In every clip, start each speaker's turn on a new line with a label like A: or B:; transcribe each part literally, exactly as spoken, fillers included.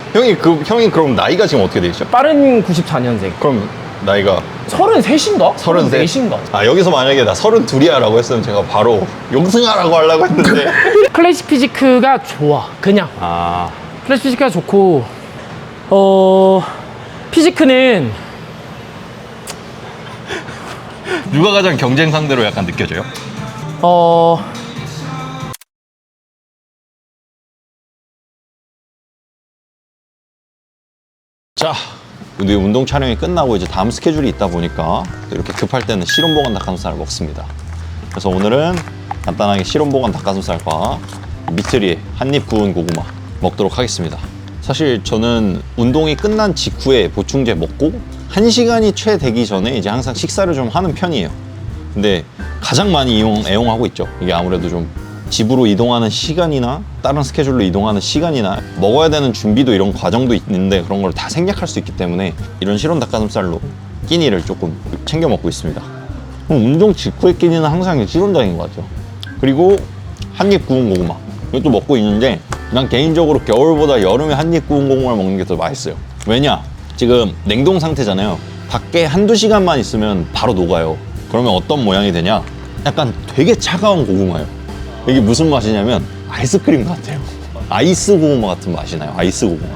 A: 형이 그 형이 그럼 나이가 지금 어떻게 되시죠?
B: 빠른 구십사 년생.
A: 그럼 나이가
B: 서른셋인가?
A: 서른셋?
B: 서른넷인가?
A: 아 여기서 만약에 나 서른둘이야 라고 했으면 제가 바로 용승하라고 하려고 했는데
B: 클래식 피지크가 좋아. 그냥.
A: 아
B: 클래식 피지크가 좋고, 어, 피지크는
A: 누가 가장 경쟁 상대로 약간 느껴져요?
B: 어,
A: 자, 우리 운동 촬영이 끝나고 이제 다음 스케줄이 있다 보니까 이렇게 급할 때는 실온보관 닭가슴살을 먹습니다. 그래서 오늘은 간단하게 실온보관 닭가슴살과 미트리에 한입 구운 고구마 먹도록 하겠습니다. 사실 저는 운동이 끝난 직후에 보충제 먹고 한 시간이 채 되기 전에 이제 항상 식사를 좀 하는 편이에요. 근데 가장 많이 이용, 애용하고 있죠. 이게 아무래도 좀 집으로 이동하는 시간이나 다른 스케줄로 이동하는 시간이나 먹어야 되는 준비도 이런 과정도 있는데 그런 걸 다 생략할 수 있기 때문에 이런 실온 닭가슴살로 끼니를 조금 챙겨 먹고 있습니다. 그럼 운동 직후의 끼니는 항상 실온장인 것 같죠. 그리고 한입 구운 고구마 이것도 먹고 있는데 난 개인적으로 겨울보다 여름에 한입 구운 고구마를 먹는 게 더 맛있어요. 왜냐? 지금 냉동 상태잖아요. 밖에 한두 시간만 있으면 바로 녹아요. 그러면 어떤 모양이 되냐? 약간 되게 차가운 고구마예요. 이게 무슨 맛이냐면 아이스크림 같아요. 아이스 고구마 같은 맛이 나요. 아이스 고구마.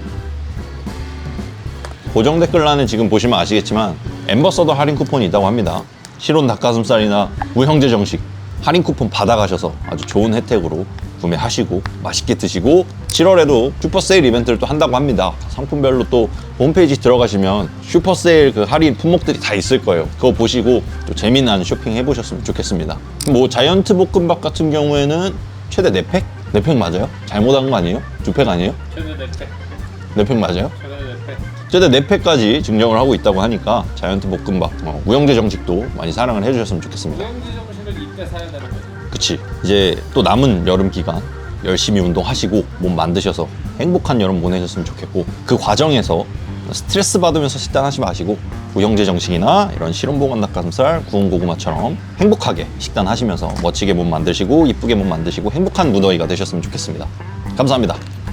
A: 고정 댓글란에 지금 보시면 아시겠지만 엠버서더 할인 쿠폰이 있다고 합니다. 실온 닭가슴살이나 우형제 정식 할인 쿠폰 받아가셔서 아주 좋은 혜택으로 구매하시고 맛있게 드시고 칠월에도 슈퍼세일 이벤트를 또 한다고 합니다. 상품별로 또 홈페이지 들어가시면 슈퍼세일 그 할인 품목들이 다 있을 거예요. 그거 보시고 또 재미난 쇼핑 해보셨으면 좋겠습니다. 뭐 자이언트 볶음밥 같은 경우에는 최대 네 팩? 네 팩 맞아요? 잘못한 거 아니에요? 두 팩 아니에요?
C: 최대 네 팩.
A: 네 팩 맞아요?
C: 최대 네 팩.
A: 최대 네 팩까지 증정을 하고 있다고 하니까 자이언트 볶음밥, 어, 우영재 정식도 많이 사랑을 해주셨으면 좋겠습니다.
C: 우영지 정신을 이때 사야 되는 거죠.
A: 그치. 이제 또 남은 여름 기간 열심히 운동하시고 몸 만드셔서 행복한 여름 보내셨으면 좋겠고 그 과정에서 스트레스 받으면서 식단하지 마시고 우영재 정식이나 이런 실온보관 닭가슴살, 구운 고구마처럼 행복하게 식단하시면서 멋지게 몸 만드시고 이쁘게 몸 만드시고 행복한 무더위가 되셨으면 좋겠습니다. 감사합니다.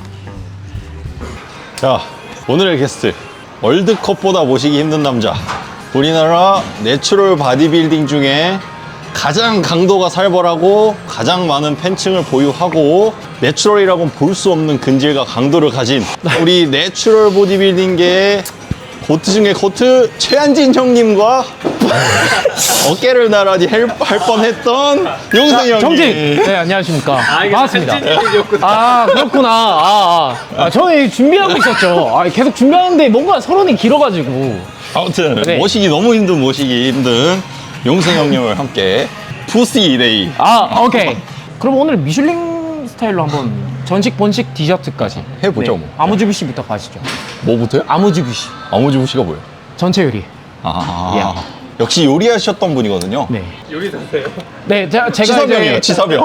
A: 자, 오늘의 게스트 월드컵보다 모시기 힘든 남자 우리나라 내추럴 바디빌딩 중에 가장 강도가 살벌하고 가장 많은 팬층을 보유하고 내추럴이라고는 볼 수 없는 근질과 강도를 가진 우리 내추럴 보디빌딩계의 고트 중에 고트 최한진 형님과 어깨를 나란히 할, 할 뻔했던 용승 형님.
B: 정직! 네, 안녕하십니까.
C: 아, 이게
B: 반갑습니다.
C: 한진님이었구나.
B: 아, 그렇구나. 아, 아. 아, 저는 준비하고 있었죠. 아, 계속 준비하는데 뭔가 서론이 길어가지고.
A: 아무튼
B: 네.
A: 모시기 너무 힘든 모시기 힘든 용승 형님을 함께 푸시 데이.
B: 아, 오케이. 그럼 오늘 미슐링 스타일로 한번 전식, 본식, 디저트까지
A: 해보죠, 뭐.
B: 아무주비씨부터 가시죠.
A: 뭐부터요?
B: 아무주비씨.
A: 아무주부씨가 뭐예요?
B: 전체 요리.
A: 아,
B: 야.
A: 역시 요리하셨던 분이거든요.
B: 네.
C: 요리 되세요?
B: 네, 제가, 제가
A: 치사병이에요,
B: 이제
A: 치사병.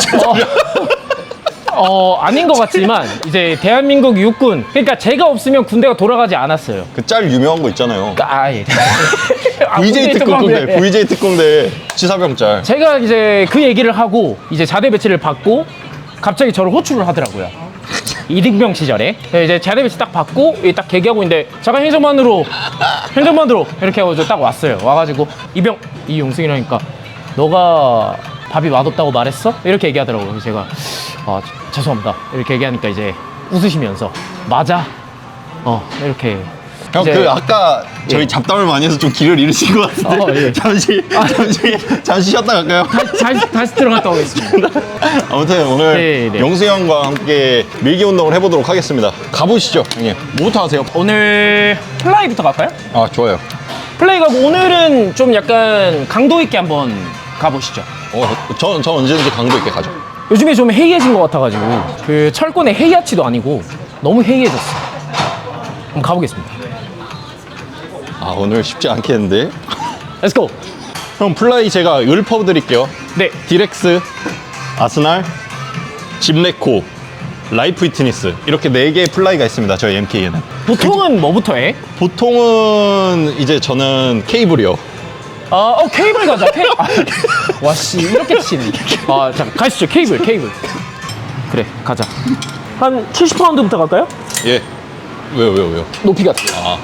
B: 어, 어, 아닌 것 같지만 이제 대한민국 육군, 그러니까 제가 없으면 군대가 돌아가지 않았어요.
A: 그 짤 유명한 거 있잖아요.
B: 아, 예. 아,
A: 브이제이
B: 군대
A: 특공대,
B: 특공대.
A: 브이제이 특공대 치사병 짤.
B: 제가 이제 그 얘기를 하고 이제 자대 배치를 받고 갑자기 저를 호출을 하더라고요. 이등병 시절에 이제 자대 배치 딱 받고 딱 계기하고 있는데 잠깐 행정반으로 행정반으로 이렇게 하고 딱 왔어요. 와가지고 이병 이용승이라니까 너가 밥이 맛없다고 말했어? 이렇게 얘기하더라고요. 그래서 제가 아, 죄송합니다 이렇게 얘기하니까 이제 웃으시면서 맞아 어 이렇게
A: 형,
B: 이제-
A: 그 아까 저희
B: 예.
A: 잡담을 많이 해서 좀 기를 잃으신 것 같은데
B: 어, 예.
A: 잠시 잠시 잠시 쉬었다 갈까요?
B: 다시, 다시 들어갔다 오겠습니다.
A: 아무튼 오늘
B: 네, 네.
A: 용수 형과 함께 밀기 운동을 해보도록 하겠습니다. 가보시죠, 형님. 뭐부터 하세요?
B: 오늘 플라이부터 갈까요?
A: 아, 좋아요.
B: 플라이 가고 오늘은 좀 약간 강도 있게 한번 가보시죠.
A: 어, 저, 저 언제든지 강도 있게 가죠.
B: 요즘에 좀 해이해진 것 같아가지고 그 철권의 해이아치도 아니고 너무 해이해졌어. 한번 가보겠습니다.
A: 아, 오늘 쉽지 않겠는데?
B: Let's go.
A: 형, 플라이 제가 읊어 드릴게요.
B: 네.
A: 디렉스, 아스날, 집레코, 라이프 피트니스 이렇게 네 개의 플라이가 있습니다. 저희 엠케이에는.
B: 보통은 뭐부터 해?
A: 보통은 이제 저는 케이블이요.
B: 아, 어 케이블 가자. 케이. 아, 와씨 이렇게 치네. 아, 잠깐 가시죠. 케이블, 케이블. 그래, 가자. 한 칠십 파운드부터 갈까요?
A: 예. 왜요, 왜요, 왜요?
B: 높이가 달라.
A: 아.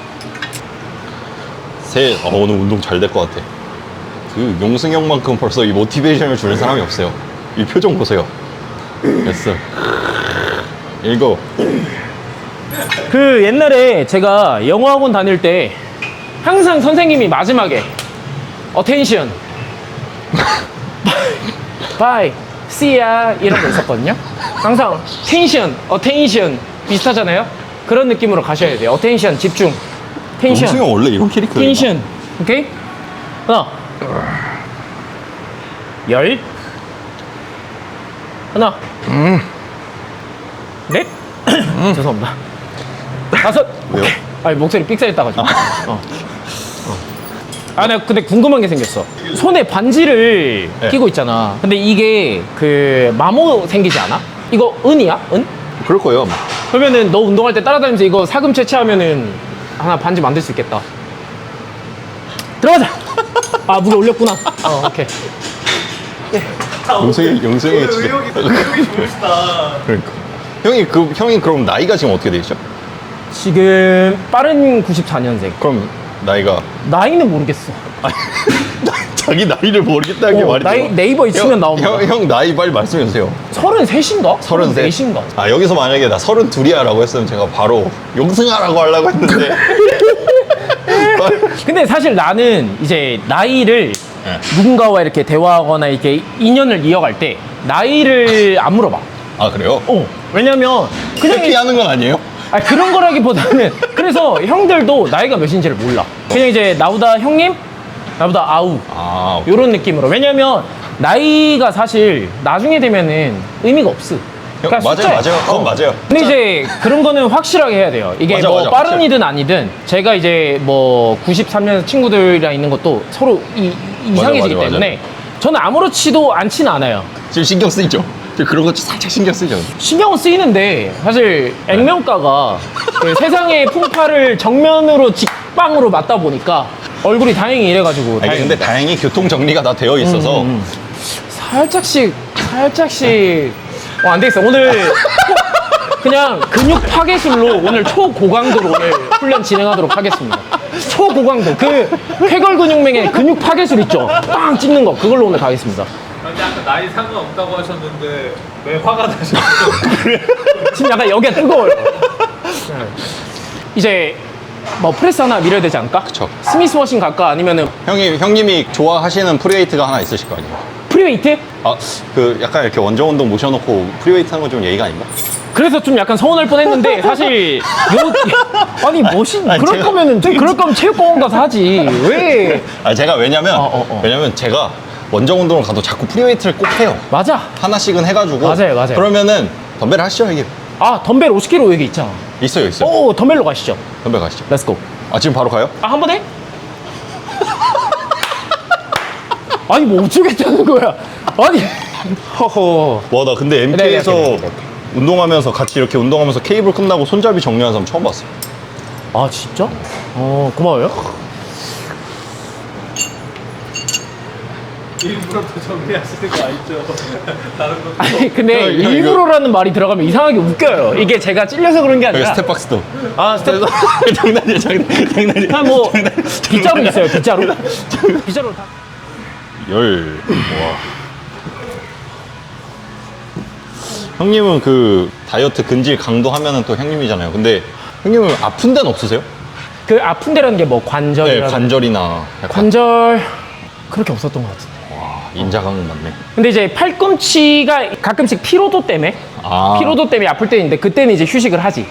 A: 셋. 어, 오늘 운동 잘 될 것 같아. 그 용승 형만큼 벌써 이 모티베이션을 주는 사람이 없어요. 이 표정 보세요. 됐어. 일곱.
B: 그 옛날에 제가 영어학원 다닐 때 항상 선생님이 마지막에 attention, bye, see ya 이런 거 있었거든요. 항상 tension, attention 비슷하잖아요. 그런 느낌으로 가셔야 돼요. attention 집중,
A: 용승
B: tension,
A: 형 원래 이런 캐릭터예요.
B: tension, 오케이? 하나, 열, 하나, 넷, 죄송합니다. 다섯.
A: 왜요?
B: 아니 목소리 삑사했다가지고. 어. 어. 아, 내가 근데 궁금한 게 생겼어. 손에 반지를
A: 네.
B: 끼고 있잖아. 근데 이게 그 마모 생기지 않아? 이거 은이야? 은?
A: 그럴 거예요. 아마.
B: 그러면은 너 운동할 때 따라다니면서 이거 사금 채취하면은 하나 반지 만들 수 있겠다. 들어가자. 아 무게 올렸구나. 어 오케이.
A: 용승이 용승이 진짜.
C: 의욕이 의욕이 좋으시다.
A: 그러니까. 형이 그 형이 그럼 나이가 지금 어떻게 되시죠?
B: 지금 빠른 구십사 년생.
A: 그럼 나이가
B: 나이는 모르겠어.
A: 자기 나이를 모르겠다는 게
B: 어,
A: 말이죠.
B: 나이 네이버에 치면
A: 형,
B: 나옵니다.
A: 형, 형 나이 빨리 말씀해 주세요.
B: 서른셋인가?
A: 서른셋.
B: 서른넷인가?
A: 아 여기서 만약에 나 서른둘이야라고 했으면 제가 바로 용승하라고 하려고 했는데.
B: 근데 사실 나는 이제 나이를
A: 네.
B: 누군가와 이렇게 대화하거나 이렇게 인연을 이어갈 때 나이를 안 물어봐.
A: 아 그래요?
B: 어. 왜냐면 그냥 이-
A: 회피하는 건 아니에요?
B: 아 그런 거라기보다는 그래서 형들도 나이가 몇인지를 몰라. 그냥 이제 나보다 형님, 나보다 아우
A: 아
B: 이런 느낌으로. 왜냐면 나이가 사실 나중에 되면은 의미가 없어.
A: 형,
B: 그러니까
A: 맞아요,
B: 숫자야.
A: 맞아요. 그건 맞아요.
B: 근데 이제 그런 거는 확실하게 해야 돼요. 이게
A: 맞아,
B: 뭐
A: 맞아,
B: 빠른이든 아니든 제가 이제 뭐 구십삼 년 친구들이랑 있는 것도 서로 이, 이상해지기
A: 맞아, 맞아.
B: 때문에 저는 아무렇지도 않진 않아요.
A: 지금 신경 쓰이죠? 지금 그런 거 살짝 신경 쓰이죠?
B: 신경은 쓰이는데 사실 액면가가 그 세상의 풍파를 정면으로 직방으로 맞다 보니까 얼굴이 다행히 이래가지고
A: 아니,
B: 다행입니다.
A: 근데 다행히 교통 정리가 다 되어 있어서
B: 음, 음. 살짝씩 살짝씩 어, 안 되겠어. 오늘 그냥 근육 파괴술로 오늘 초고강도로 오늘 훈련 진행하도록 하겠습니다. 초고강도 그 쾌걸 근육맹의 근육 파괴술 있죠? 빵 찍는 거 그걸로 오늘 가겠습니다.
C: 근데 아까 나이 상관없다고 하셨는데 왜 화가 나셨어요?
B: 지금 약간 여기가 뜨거워요. 네. 이제 뭐 프레스 하나 밀어야 되지 않을까?
A: 그쵸.
B: 스미스 워싱 갈까? 아니면은
A: 형이, 형님이 좋아하시는 프리웨이트가 하나 있으실 거 아니에요?
B: 프리웨이트?
A: 아, 그 약간 이렇게 원정 운동 모셔놓고 프리웨이트 하는 건 좀 예의가 아닌가?
B: 그래서 좀 약간 서운할 뻔했는데 사실 요 아니 멋있
A: 아니,
B: 그럴
A: 제가-
B: 거면은 그럴 거면 체육공원 가서 하지 왜?
A: 아, 제가 왜냐면,
B: 어, 어, 어.
A: 왜냐면 제가 원정 운동을 가도 자꾸 프리웨이트를 꼭 해요.
B: 맞아.
A: 하나씩은 해가지고.
B: 맞아요, 맞아요.
A: 그러면은 덤벨 하시죠, 이게.
B: 아 덤벨 오십 킬로그램 여기 있잖아.
A: 있어요, 있어요.
B: 오 덤벨로 가시죠.
A: 덤벨 가시죠.
B: 렛츠고.
A: 아, 지금 바로 가요?
B: 아 한 번 해? 아니 뭐 어쩌겠다는 거야. 아니 허허.
A: 와, 나 근데 엠케이에서
B: 네, 네, 네, 네, 네.
A: 운동하면서 같이 이렇게 운동하면서 케이블 끝나고 손잡이 정리하는 사람 처음 봤어요.
B: 아 진짜? 어 고마워요.
C: 일부러 또 정리하시는 거 아니죠? 다른 것도
B: 아니 근데
A: 형, 형,
B: 일부러라는 말이 들어가면 이상하게 웃겨요. 이게 제가 찔려서 그런 게
A: 여기
B: 아니라.
A: 스텝박스도.
B: 아 스텝.
A: 장난이야, 장난, 장난이야.
B: 아, 뭐 빗자루 있어요. 빗자루. 빗자루 다.
A: 열. 와. 형님은 그 다이어트 근질 강도 하면은 또 형님이잖아요. 근데 형님은 아픈 데는 없으세요?
B: 그 아픈 데라는 게 뭐
A: 네,
B: 관절이라.
A: 관절이나 약간
B: 관절 그렇게 없었던 것 같은데.
A: 와, 인자강은 맞네.
B: 근데 이제 팔꿈치가 가끔씩 피로도 때문에
A: 아.
B: 피로도 때문에 아플 때 있는데 그때는 이제 휴식을 하지.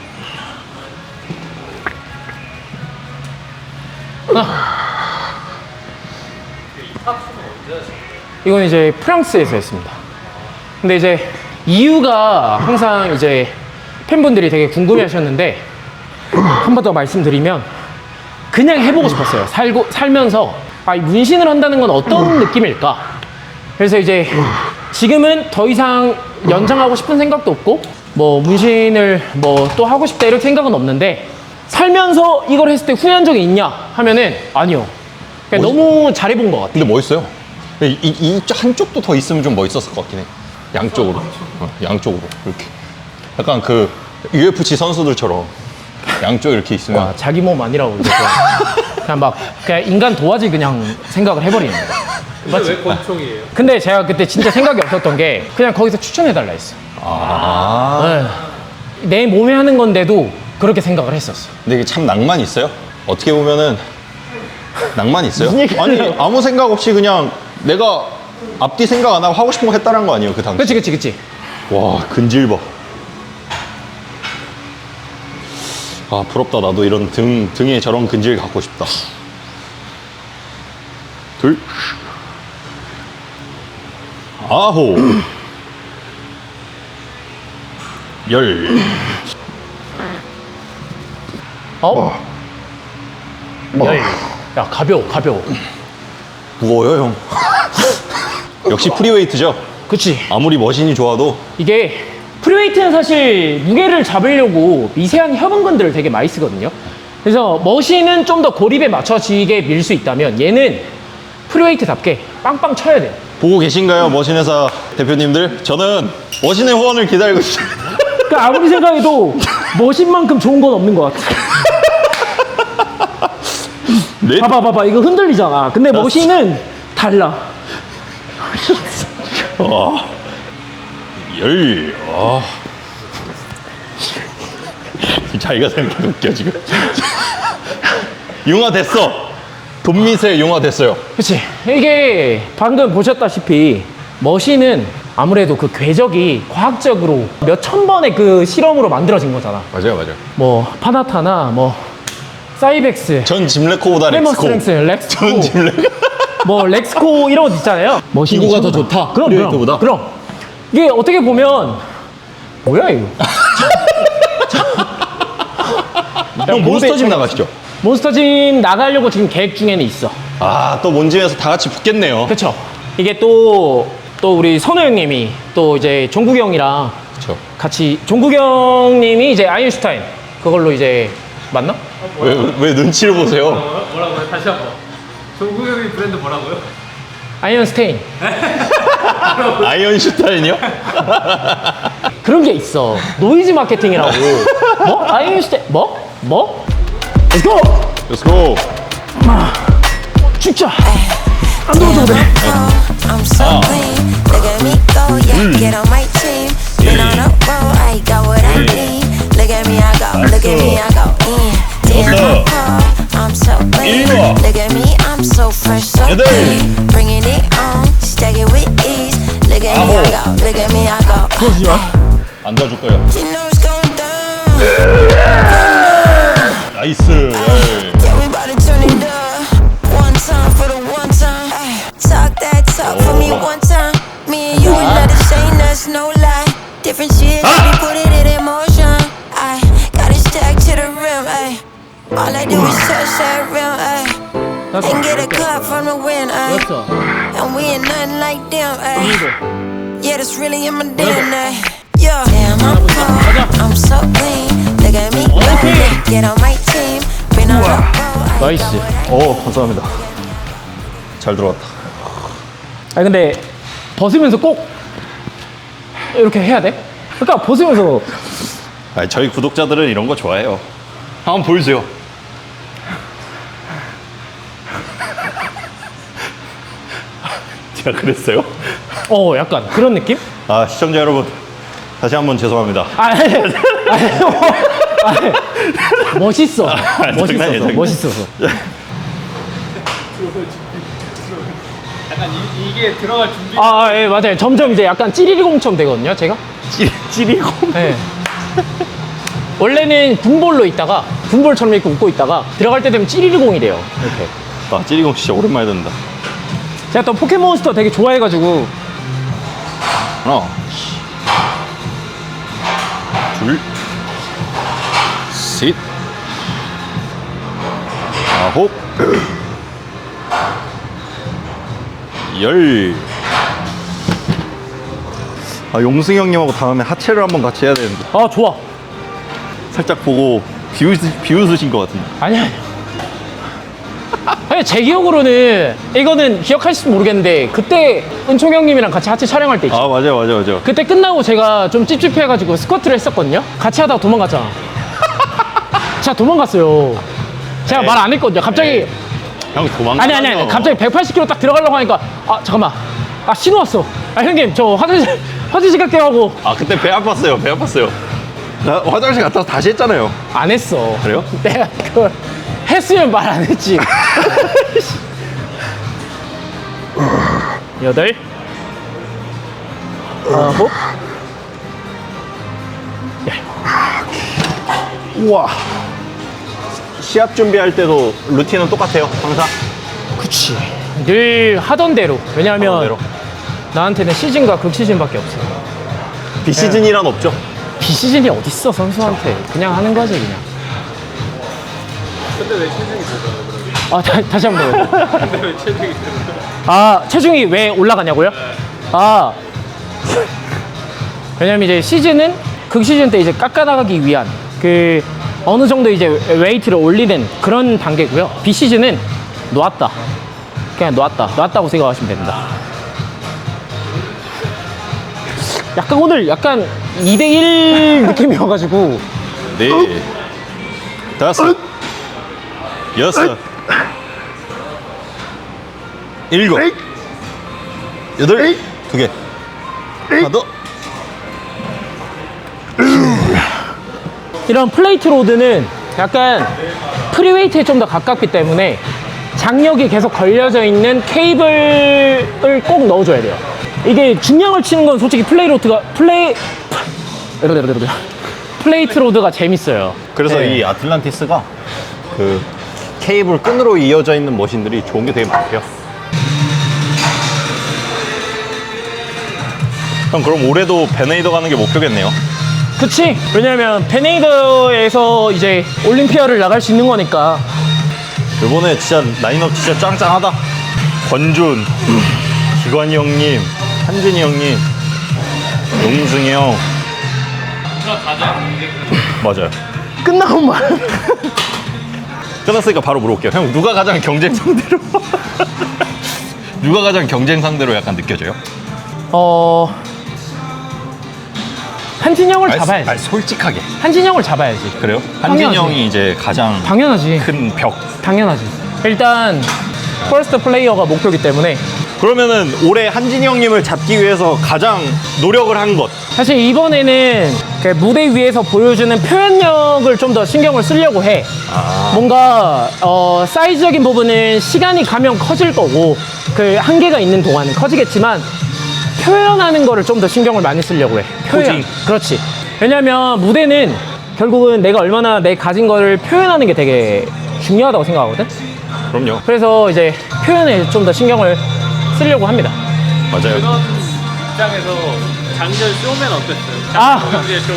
B: 이건 이제 프랑스에서 했습니다. 근데 이제 이유가 항상 이제 팬분들이 되게 궁금해 하셨는데 한 번 더 말씀드리면 그냥 해보고 싶었어요. 살고, 살면서 아, 이 문신을 한다는 건 어떤 느낌일까? 그래서 이제 지금은 더 이상 연장하고 싶은 생각도 없고 뭐 문신을 뭐 또 하고 싶다 이런 생각은 없는데 살면서 이걸 했을 때 후회한 적이 있냐 하면은 아니요. 그냥
A: 멋있-
B: 너무 잘해본 것 같아요.
A: 근데 멋있어요. 이, 이, 이 한쪽도 더 있으면 좀 멋있었을 것 같긴 해. 양쪽으로. 어, 양쪽으로. 이렇게. 약간 그 유에프씨 선수들처럼 양쪽 이렇게 있으면.
B: 와, 자기 몸 아니라고 이제 그냥, 그냥 막 그냥 인간 도화지 그냥 생각을 해버리는 거야.
C: 근데
B: 맞지?
C: 왜 권총이에요?
B: 근데 제가 그때 진짜 생각이 없었던 게 그냥 거기서 추천해달라 했어.
A: 아.
B: 네. 내 몸에 하는 건데도 그렇게 생각을 했었어.
A: 근데 이게 참 낭만이 있어요. 어떻게 보면은 낭만이 있어요.
B: 무슨 얘기예요?
A: 아니 아무 생각 없이 그냥 내가 앞뒤 생각 안 하고 하고 싶은 거 했다는 거 아니에요 그 당시.
B: 그치 그치 그치.
A: 와 근질 봐. 아 부럽다. 나도 이런 등 등에 저런 근질 갖고 싶다. 둘. 아홉. 열.
B: 어? 열. 야 가벼워 가벼워.
A: 무거워요 형. 역시 프리웨이트죠.
B: 그치.
A: 아무리 머신이 좋아도.
B: 이게 프리웨이트는 사실 무게를 잡으려고 미세한 협응근들을 되게 많이 쓰거든요. 그래서 머신은 좀 더 고립에 맞춰지게 밀 수 있다면 얘는 프리웨이트답게 빵빵 쳐야 돼요.
A: 보고 계신가요 머신회사 대표님들? 저는 머신의 후원을 기다리고 있습니다.
B: 그러니까 아무리 생각해도 머신만큼 좋은 건 없는 것 같아.
A: 네?
B: 봐봐 봐봐 이거 흔들리잖아. 근데 머신은 달라.
A: 아, 열. 아. 자기가 생각해도 웃겨 지금. 융화 됐어. 돈미세 융화 됐어요.
B: 그치. 이게 방금 보셨다시피 머신은 아무래도 그 궤적이 과학적으로 몇 천 번의 그 실험으로 만들어진 거잖아.
A: 맞아요, 맞아요.
B: 뭐 파나타나 뭐 사이벡스,
A: 전 짐레코보다 렉스코.
B: 헤머스트렝스, 렉스코,
A: 전 짐레코.
B: 뭐 렉스코 이런 것 있잖아요. 머신이
A: 이거가 더
B: 최고다.
A: 좋다,
B: 그럼
A: 프리웨이트보다?
B: 그럼 그럼 이게 어떻게 보면 뭐야 이거?
A: 형 몬스터짐 나가시죠?
B: 몬스터짐 나가려고 지금 계획 중에는 있어.
A: 아, 또 몬짐에서 다 같이 붙겠네요.
B: 그렇죠. 이게 또 또 우리 선우 형님이 또 이제 종국이 형이랑
A: 그렇죠.
B: 같이 종국이 형님이 이제 아인슈타인 그걸로 이제 맞나?
A: 왜, 왜 눈치를 보세요?
C: 뭐라고요? 뭐라고요? 다시 한번. 종국이 브랜드 뭐라고요?
B: 아이언스테인
A: 아이언슈타인이요?
B: 그런 게 있어. 노이즈 마케팅이라고. 뭐? 아이언슈타인 뭐? 뭐? 렛츠고!
A: Let's go.
B: 죽자. 안 들어도 돼.
D: I'm so clean. Look at me go, yeah. Get on my team. Been on a roll, I got what I need. Look at me, I go. Look at me, I go. Yeah. Damn, I'm cold. I'm so clean. Look at me, I'm so fresh, so clean. Bringing it on, stack it with ease. Look at me, I go. Look at me, I go.
B: 그러지 마.
A: 앉아줄 거예요.
D: You know it's going down.
A: 나이스. 에이.
D: Yeah, we about to turn it up. One time for the one time. Ay, talk that talk for me one time. Me and you ain't nothing, saying that's no lie. Different shit, we put it in motion. I got it stacked to the rim. Ay. All I do is touch that rim. Ay. And get a cup from the wind. Ay.
B: 됐어.
D: And we ain't nothing like them. Ay. Yeah, that's really in my D N A. Yeah, damn, I'm cold. I'm so clean. Look at me, go. Get on my team. Been on the road.
B: 나이스.
A: 오, 감사합니다. 잘 들어왔다.
B: 아 근데 벗으면서 꼭 이렇게 해야 돼? 그러니까 벗으면서
A: 아니, 저희 구독자들은 이런 거 좋아해요. 한번 보여주세요. 제가 그랬어요?
B: 어 약간 그런 느낌?
A: 아, 시청자 여러분. 다시 한번 죄송합니다.
B: 아, 아니, 아니, 뭐, 아니, 멋있어. 멋있었어.
A: 장난이에요,
B: 멋있었어.
C: 약간 이, 이게 들어갈 준비.
B: 아, 예, 맞아요. 점점 이제 약간 찌리리공처럼 되거든요, 제가.
A: 찌, 찌리고.
B: 네. 원래는 군볼로 있다가, 군볼처럼 이렇게 웃고 있다가, 들어갈 때 되면 찌리리공이 돼요. 이렇게.
A: 아, 찌리공 진짜 오랜만에 듣는다.
B: 제가 또 포켓몬스터 되게 좋아해가지고,
A: 하나, 둘, 셋, 아홉, 열. 아, 용승이 형님하고 다음에 하체를 한번 같이 해야 되는데.
B: 아, 좋아.
A: 살짝 보고 비웃으, 비웃으신 것 같은데.
B: 아니야, 아니야. 아니, 제 기억으로는, 이거는 기억하실지 모르겠는데, 그때 은총 형님이랑 같이 하체 촬영할 때 있죠.
A: 아, 맞아요, 맞아요, 맞아요.
B: 그때 끝나고 제가 좀 찝찝해가지고 스쿼트를 했었거든요. 같이 하다가 도망갔잖아. 제가 도망갔어요. 제가
A: 에이.
B: 말 안 했거든요. 갑자기
A: 에이. 형 도망가.
B: 아니 아니 아니 갑자기 백팔십 킬로미터 딱 들어가려고 하니까 아 잠깐만 아 신호 왔어. 아 형님 저 화장실 화장실 갈게요 하고
A: 아 그때 배 아팠어요. 배 아팠어요. 나 화장실 갔다 와서 다시 했잖아요.
B: 안 했어.
A: 그래요?
B: 내가 그걸 했으면 말 안 했지. 여덟 아홉
A: 우와. 시합 준비할 때도 루틴은 똑같아요. 항상.
B: 그치 늘 하던 대로. 왜냐하면
A: 하던 대로.
B: 나한테는 시즌과 극시즌밖에 없어.
A: 비시즌이란 없죠.
B: 비시즌이 어딨어 선수한테. 그냥 하는 거지 그냥.
C: 근데 왜 체중이 되잖아요, 그러면?
B: 아 다, 다시 한 번.
C: 근데 왜 체중이 되는
B: 아 체중이 왜 올라가냐고요? 아 왜냐면 이제 시즌은 극시즌 때 이제 깎아나가기 위한 그 어느 정도 이제 웨이트를 올리는 그런 단계고요. 비시즌은 놓았다. 그냥 놓았다. 놓았다고 생각하시면 됩니다. 약간 오늘 약간 이 대 일 느낌이어가지고
A: 네. 다섯. 여섯. 일곱. 여덟. 두 개. 하나 더.
B: 이런 플레이트 로드는 약간 프리웨이트에 좀 더 가깝기 때문에 장력이 계속 걸려져 있는 케이블을 꼭 넣어줘야 돼요. 이게 중량을 치는 건 솔직히 플레이 로드가 플레이 플레이트 로드가 재밌어요.
A: 그래서
B: 네.
A: 이 아틀란티스가 그 케이블 끈으로 이어져 있는 머신들이 좋은 게 되게 많대요. 형 그럼 올해도 베네이더 가는 게 목표겠네요.
B: 그치? 왜냐면 베네이더에서 이제 올림피아를 나갈 수 있는 거니까.
A: 이번에 진짜 라인업 진짜 짱짱하다. 권준, 기관이 형님, 한준이 형님, 용승이 형.
C: 누가 가장 이제
A: 맞아요.
B: 끝나고 말.
A: 끝났으니까 바로 물어볼게요. 형 누가 가장 경쟁 상대로 누가 가장 경쟁 상대로 약간 느껴져요?
B: 어 한진영을 잡아야지.
A: 아니, 솔직하게.
B: 한진영을 잡아야지.
A: 그래요? 한진이
B: 당연하지.
A: 형이 이제 가장
B: 당연하지.
A: 큰 벽.
B: 당연하지. 일단 퍼스트 플레이어가 목표이기 때문에
A: 그러면은 올해 한진이 형님을 잡기 위해서 가장 노력을 한 것.
B: 사실 이번에는 그 무대 위에서 보여주는 표현력을 좀 더 신경을 쓰려고 해.
A: 아.
B: 뭔가 어, 사이즈적인 부분은 시간이 가면 커질 거고 그 한계가 있는 동안은 커지겠지만 표현하는 거를 좀 더 신경을 많이 쓰려고 해. 표현.
A: 포징.
B: 그렇지. 왜냐면 무대는 결국은 내가 얼마나 내 가진 거를 표현하는 게 되게 중요하다고 생각하거든.
A: 그럼요.
B: 그래서 이제 표현에 좀 더 신경을 쓰려고 합니다.
A: 맞아요.
C: 그런 입장에서 작년 쇼맨 어땠어요?
B: 아.
C: 장경지의 쇼맨.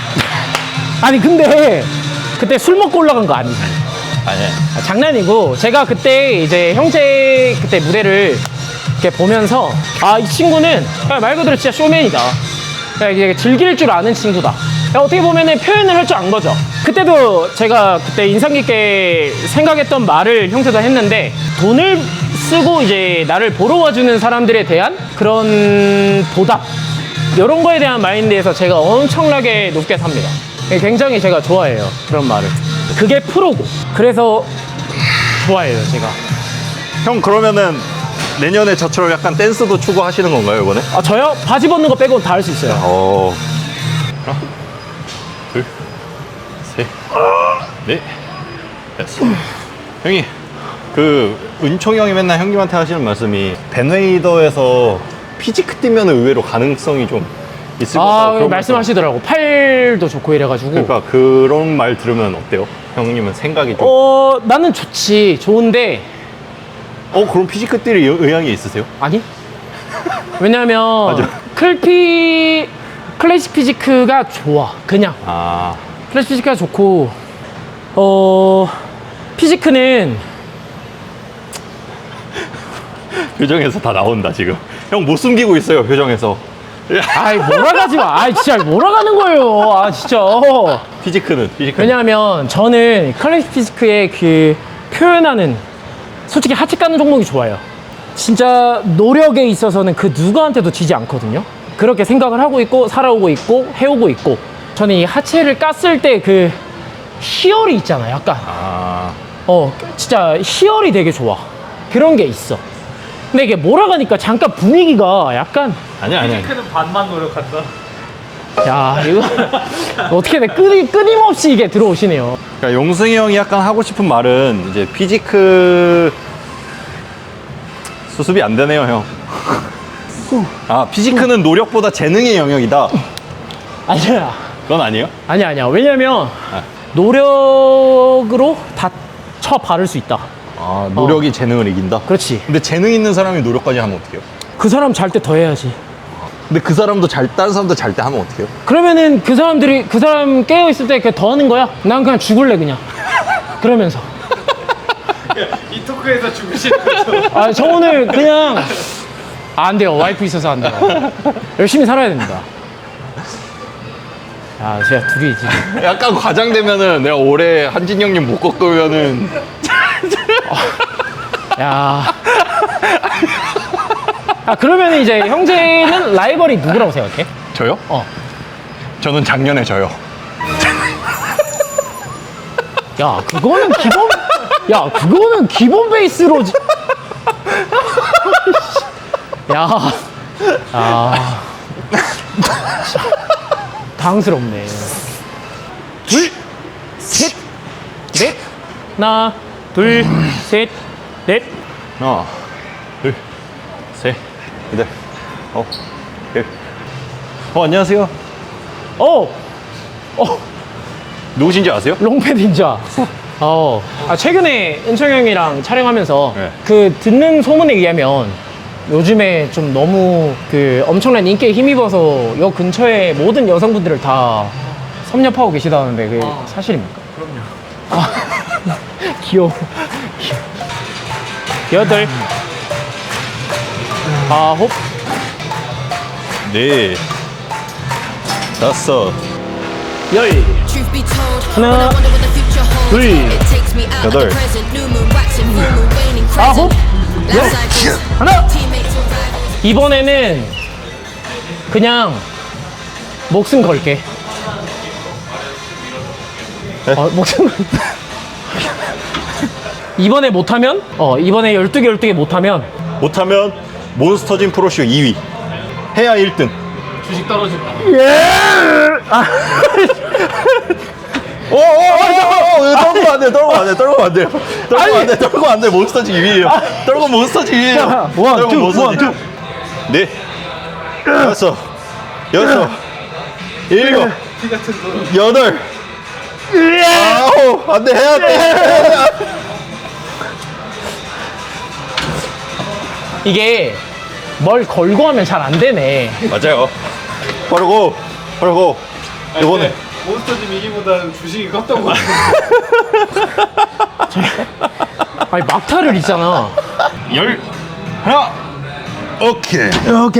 B: 아니 근데 그때 술 먹고 올라간 거 아니지?
A: 아니.
B: 아, 장난이고 제가 그때 이제 형제 그때 무대를 이렇게 보면서 아 이 친구는 그냥 말 그대로 진짜 쇼맨이다. 그냥 이게 즐길 줄 아는 친구다. 그러니까 어떻게 보면은 표현을 할 줄 안 거죠. 그때도 제가 그때 인상 깊게 생각했던 말을 형제도 했는데 돈을 쓰고 이제 나를 보러 와주는 사람들에 대한 그런 보답 이런 거에 대한 마인드에서 제가 엄청나게 높게 삽니다. 굉장히 제가 좋아해요 그런 말을. 그게 프로고 그래서 좋아해요 제가.
A: 형 그러면은 내년에 저처럼 약간 댄스도 추구하시는 건가요 이번에?
B: 아 저요? 바지 벗는 거 빼고 다 할 수 있어요.
A: 어. 하나, 둘, 셋, 넷, 다섯. 형이 그 은총이 형이 맨날 형님한테 하시는 말씀이 벤웨이더에서 피지크 뛰면 의외로 가능성이 좀 있을 것
B: 아
A: 같다고 그런
B: 말씀하시더라고. 팔도 좋고 이래가지고.
A: 그러니까 그런 말 들으면 어때요? 형님은 생각이 좀
B: 어 나는 좋지. 좋은데
A: 어, 그럼 피지크 뛸 의- 의향이 있으세요?
B: 아니? 왜냐면
A: 맞아.
B: 클피 클래식 피지크가 좋아. 그냥
A: 아,
B: 클래식 피지크가 좋고 어 피지크는
A: 표정에서 다 나온다 지금. 형 못 숨기고 있어요 표정에서.
B: 아이 몰아가지 마. 아이 진짜 몰아가는 거예요. 아 진짜.
A: 피지크는 피지크.
B: 왜냐하면 저는 클래식 피지크의 그 표현하는 솔직히 하체 까는 종목이 좋아요. 진짜 노력에 있어서는 그 누구한테도 지지 않거든요. 그렇게 생각을 하고 있고 살아오고 있고 해오고 있고 저는 이 하체를 깠을 때 그 희열이 있잖아, 약간.
A: 아,
B: 어, 진짜 희열이 되게 좋아. 그런 게 있어. 근데 이게 몰아가니까 잠깐 분위기가 약간,
A: 아니야, 아니야.
C: 피지크는 반만 노력한다.
B: 야, 이거 어떻게 돼? 끊임, 끊임없이 이게 들어오시네요.
A: 그러니까 용승이 형이 약간 하고 싶은 말은 이제 피지크 수습이 안 되네요, 형. 아, 피지크는 노력보다 재능의 영역이다.
B: 아니야.
A: 그건 아니에요?
B: 아니야, 아니야. 왜냐면
A: 아.
B: 노력으로 다 쳐 바를 수 있다.
A: 아, 노력이 재능을 이긴다?
B: 그렇지.
A: 근데 재능 있는 사람이 노력까지 하면 어떡해요?
B: 그 사람 잘 때 더 해야지.
A: 근데 그 사람도 잘, 다른 사람도 잘 때 하면 어떡해요?
B: 그러면은 그 사람들이, 그 사람 깨어있을 때 그냥 더 하는 거야? 난 그냥 죽을래, 그냥. 그러면서.
C: 이 토크에서 죽으시는 거죠?
B: 아, 저 오늘 그냥. 아, 안 돼요. 와이프 있어서 안 돼요. 열심히 살아야 됩니다. 야, 제가 둘이 지금.
A: 약간 과장되면은 내가 올해 한진 형님 못 꺾으면은
B: 야. 아, 그러면 이제 형제는 라이벌이 누구라고 생각해?
A: 저요?
B: 어.
A: 저는 작년에 저요.
B: 야, 그거는 기본, 야, 그거는 기본 베이스로. 지- 야. 아. 당스럽네. 둘, 셋, 넷. 하나, 둘, 셋, 넷.
A: 하나, 둘, 셋, 넷, 어, 일. 어, 안녕하세요.
B: 어, 어,
A: 누구신지 아세요?
B: 롱패드 인자. 어, 아, 최근에 은총 형이랑 촬영하면서
A: 네.
B: 그 듣는 소문에 의하면 요즘에 좀 너무 그 엄청난 인기에 힘입어서 여 근처에 모든 여성분들을 다 섭렵하고 계시다는데 그게 사실입니까?
C: 그럼요.
B: 아, 귀여워. 귀여워. 여덟, 아홉,
A: 네, 다섯,
B: 열,
E: Truth be told,
B: 하나,
E: when I wonder what the future holds,
B: 둘,
E: it takes me out
A: 여덟,
E: of the present. New moon waxing, full moon waning,
B: 아홉,
E: crescent.
B: 열,
E: Life cycles,
B: 하나.
E: teammates or rivals.
B: 이번에는 그냥 목숨 걸게.
A: 네?
B: 어, 목숨 걸. 이번에 못하면, 어, 이번에 열두 개, 열두 개 못하면,
A: 못하면 몬스터진 프로쇼 이 위. 해야 일 등.
C: 주식 떨어진다.
A: 오, 오, 오, 오, 떨고 안 돼, 떨고 안 돼, 떨고 안 돼요. 떨고 안 돼, 떨고 안 돼, 몬스터진 이 위에요. 떨고 몬스터진 이 위에요.
B: 원,
A: 떨고
B: 투,
A: 몬스터진.
B: 원,
A: 네, 다섯, 여섯, 일곱,
C: 피 같은 거.
A: 여덟, 아홉, 안 돼, 해야 돼. 해야 돼.
B: 이게 뭘 걸고 하면 잘 안 되네.
A: 맞아요. 빠르고, 빠르고, 이번에.
C: 몬스터짐 이기보다는 주식이 컸던 거 같아요.
B: 아니, 막타를 있잖아.
A: 열, 하나, 오케이.
B: 오케이.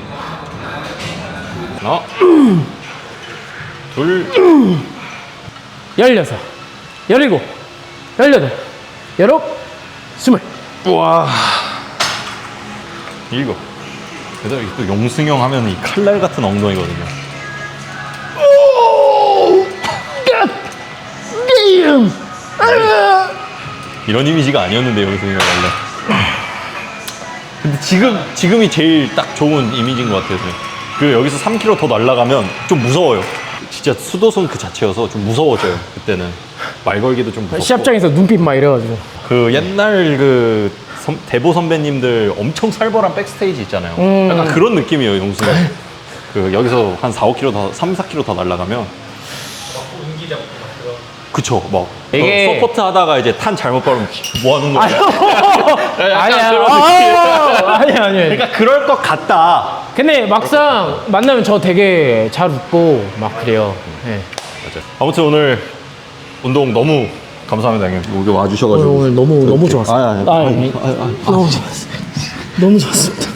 A: 하나, 둘,
B: 열여섯, 열일곱, 열여덟, 열아홉, 스물.
A: 우와. 일곱. 그다음에 또 용승형 하면 이 칼날 같은 엉덩이거든요.
B: 게임.
A: 이런 이미지가 아니었는데 용승이가 원래. 근데 지금 지금이 제일 딱 좋은 이미지인 것 같아요. 그 여기서 삼 킬로미터 더 날아가면 좀 무서워요. 진짜 수도선 그 자체여서 좀 무서워져요. 그때는 말 걸기도 좀 무섭고.
B: 시합장에서 눈빛 막 이래가지고.
A: 그 옛날 그 선- 대보 선배님들 엄청 살벌한 백스테이지 있잖아요.
B: 음.
A: 약간 그런 느낌이에요, 용승이. 그 여기서 한 사, 오 킬로미터 더, 삼, 사 킬로미터 더 날아가면. 그쵸, 막.
B: 이게-
A: 어, 서포트 하다가 이제 탄 잘못 바르면 뭐 하는 거야?
B: 아니야.
A: 그런
B: 아, 아니야, 아니야.
A: 그러니까 그럴 것 같다.
B: 근데 막상 만나면 저 되게 잘 웃고 막 그래요. 네.
A: 맞아요. 아무튼 오늘 운동 너무 감사합니다, 형님. 여기 와주셔가지고.
B: 오늘 너무 너무 좋았어요.
A: 아, 아, 아,
B: 아, 아니, 너무 좋았어요. 너무 좋았습니다.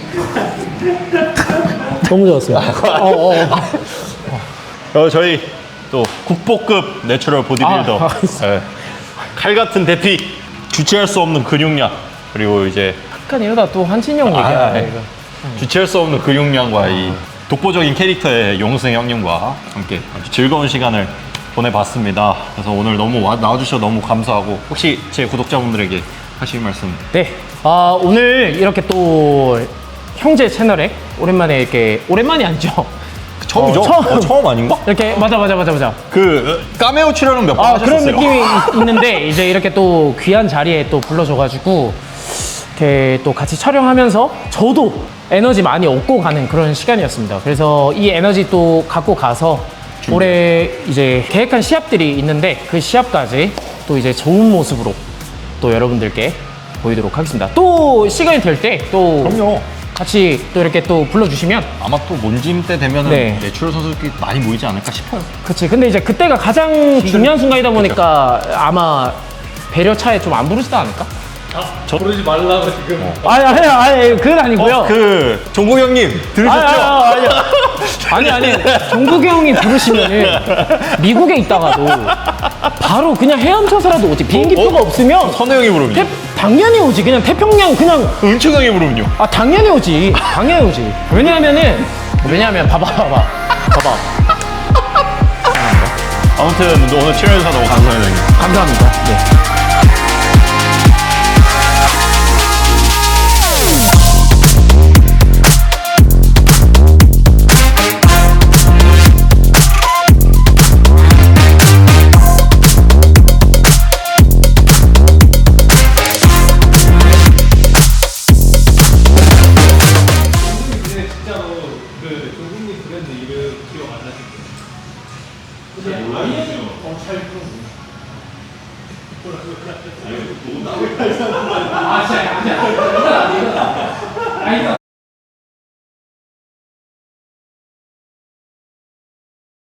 B: 너무 좋았어요. 어, 어, 어.
A: 어, 저희 또 국보급 내추럴 보디빌더.
B: 아, 알겠습니다.
A: 예. 칼 같은 대피, 주체할 수 없는 근육량, 그리고 이제
B: 약간 이러다 또 한진영 얘기야.
A: 아,
B: 이거.
A: 주체할 수 없는 근육량과 이 독보적인 캐릭터의 용승 형님과 함께 아주 즐거운 시간을 보내봤습니다. 그래서 오늘 너무 와, 나와주셔서 너무 감사하고 혹시 제 구독자분들에게 하실 말씀?
B: 네. 아, 오늘 이렇게 또 형제 채널에 오랜만에 이렇게 오랜만이 아니죠?
A: 처음이죠?
B: 어, 처음.
A: 어, 처음 아닌가?
B: 이렇게 맞아 맞아 맞아 맞아.
A: 그 까메오 출연은 몇 번
B: 아,
A: 하셨어요?
B: 그런 느낌이 있- 있는데 이제 이렇게 또 귀한 자리에 또 불러줘가지고 이렇게 또 같이 촬영하면서 저도 에너지 많이 얻고 가는 그런 시간이었습니다. 그래서 이 에너지 또 갖고 가서 올해 이제 계획한 시합들이 있는데 그 시합까지 또 이제 좋은 모습으로 또 여러분들께 보이도록 하겠습니다. 또 시간이 될 때 또
A: 그럼요.
B: 같이 또 이렇게 또 불러주시면
A: 아마 또 몬짐 때 되면은
B: 네.
A: 내추럴 선수들끼리 많이 모이지 않을까 싶어요.
B: 그치. 근데 이제 그때가 가장 중요한 순간이다 보니까 아마 배려 차에 좀 안 부르지도 않을까?
C: 저 부르지 말라고 지금.
B: 아니, 아니, 아니, 그건 아니고요.
A: 그 종국 형님 들으셨죠?
B: 아니, 아니, 아니, 아니, 종국이 형이 부르시면은 미국에 있다가도 바로 그냥 헤엄쳐서라도 오지. 비행기표가
A: 어?
B: 없으면
A: 선우 형이 부르면요?
B: 태, 당연히 오지. 그냥 태평양 그냥
A: 은총 형이 부르면요?
B: 아 당연히 오지. 당연히 오지. 왜냐하면은 왜냐하면 봐봐, 봐봐, 봐봐.
A: 아무튼 오늘 출연해주셔서 너무 감사합니다 형님.
B: 감사합니다. 네.
C: 근데 진짜로 그 조국님 브랜드 이름 기억 안 나시죠?